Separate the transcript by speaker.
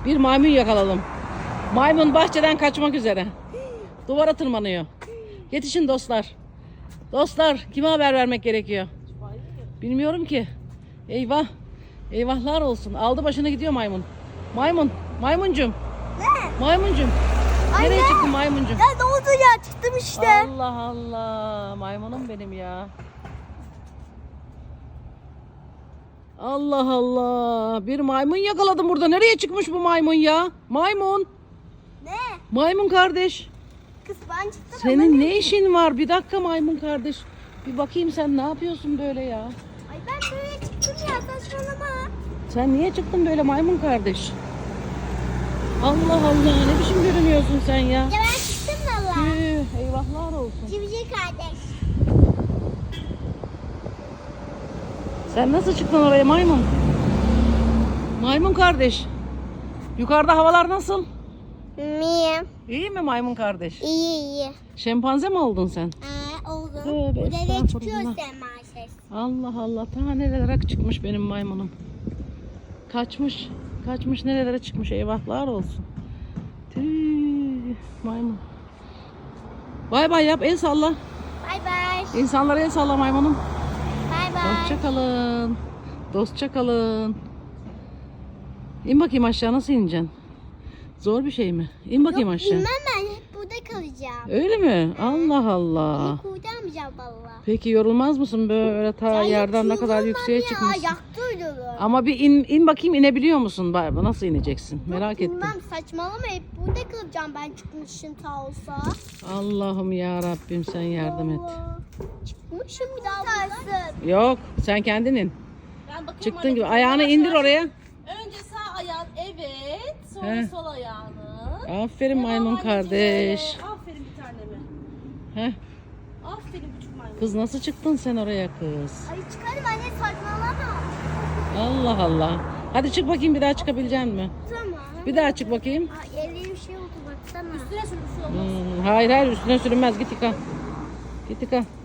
Speaker 1: Bir maymun yakaladım. Maymun bahçeden kaçmak üzere. Duvara tırmanıyor. Yetişin dostlar. Dostlar, kime haber vermek gerekiyor? Bilmiyorum ki. Eyvah. Eyvahlar olsun. Aldı başına gidiyor maymun. Maymuncum.
Speaker 2: Ne?
Speaker 1: Maymuncum. Nereye
Speaker 2: Anne.
Speaker 1: çıktın maymuncum?
Speaker 2: Ya ne oldu ya? Çıktım işte.
Speaker 1: Allah Allah. Maymunum benim ya. Allah Allah. Bir maymun yakaladım burada. Nereye çıkmış bu maymun ya? Maymun.
Speaker 2: Ne?
Speaker 1: Maymun kardeş.
Speaker 2: Kız ben çıktım.
Speaker 1: Senin ne işin var? Bir dakika maymun kardeş. Bir bakayım sen ne yapıyorsun böyle ya?
Speaker 2: Ay ben böyle çıktım ya, saçmalama.
Speaker 1: Sen niye çıktın böyle maymun kardeş? Allah Allah, ne biçim görünüyorsun sen ya?
Speaker 2: Ya ben çıktım valla.
Speaker 1: Tüh, eyvahlar olsun.
Speaker 2: Civciv kardeş.
Speaker 1: Sen nasıl çıktın oraya maymun? Maymun kardeş. Yukarıda havalar nasıl?
Speaker 2: Niye?
Speaker 1: İyi mi maymun kardeş?
Speaker 2: İyi.
Speaker 1: Şempanze mi oldun sen?
Speaker 2: Oldu.
Speaker 1: Tövbe
Speaker 2: Bu nereye çıkıyor
Speaker 1: estağfurullah.
Speaker 2: sen maalesef.
Speaker 1: Allah Allah, ta nerelere çıkmış benim maymunum. Kaçmış nerelere çıkmış, eyvahlar olsun. Tüh, maymun. Bay bay yap, el salla.
Speaker 2: Bay bay.
Speaker 1: İnsanlara el salla maymunum.
Speaker 2: Bay bay.
Speaker 1: Hoşça kalın. Dostça kalın. İn bakayım aşağı, nasıl ineceksin? Zor bir şey mi? İn bakayım aşağı.
Speaker 2: Bilmem, ben hep burada kalacağım.
Speaker 1: Öyle mi? Allah Allah.
Speaker 2: Kurtarmayacağım valla.
Speaker 1: Peki yorulmaz mısın böyle ta yerden ne kadar yükseğe çıkmışsın?
Speaker 2: Ayakta uyuyorum.
Speaker 1: Ama bir in bakayım, inebiliyor musun? Nasıl ineceksin? Merak ettim.
Speaker 2: Bilmem, saçmalama, hep burada kalacağım ben çıkmışım ta olsa.
Speaker 1: Allah'ım ya Rabbim, sen yardım et.
Speaker 2: Allah. Çıkmışım bir daha buradan.
Speaker 1: Yok, sen kendin in.
Speaker 3: Ben bakayım
Speaker 1: Çıktın
Speaker 3: anne.
Speaker 1: gibi. Ayağını indir oraya.
Speaker 3: Önce sağ ayağın, evet. Sonra
Speaker 1: He.
Speaker 3: sol ayağını.
Speaker 1: Aferin
Speaker 3: Devam
Speaker 1: maymun
Speaker 3: anneciğim.
Speaker 1: kardeş.
Speaker 3: Aferin bir taneme.
Speaker 1: Heh.
Speaker 3: Aferin küçük maymun.
Speaker 1: Kız nasıl çıktın sen oraya kız?
Speaker 2: Ay çıkarım anne, saçmalama.
Speaker 1: Allah Allah. Hadi çık bakayım, bir daha çıkabilecek misin?
Speaker 2: Tamam.
Speaker 1: Bir daha çık bakayım.
Speaker 2: Ay elli bir şey oldu baksana.
Speaker 3: Üstüne sür, bir şey olmaz.
Speaker 1: Hayır üstüne sürünmez, git yıka. Git yıka.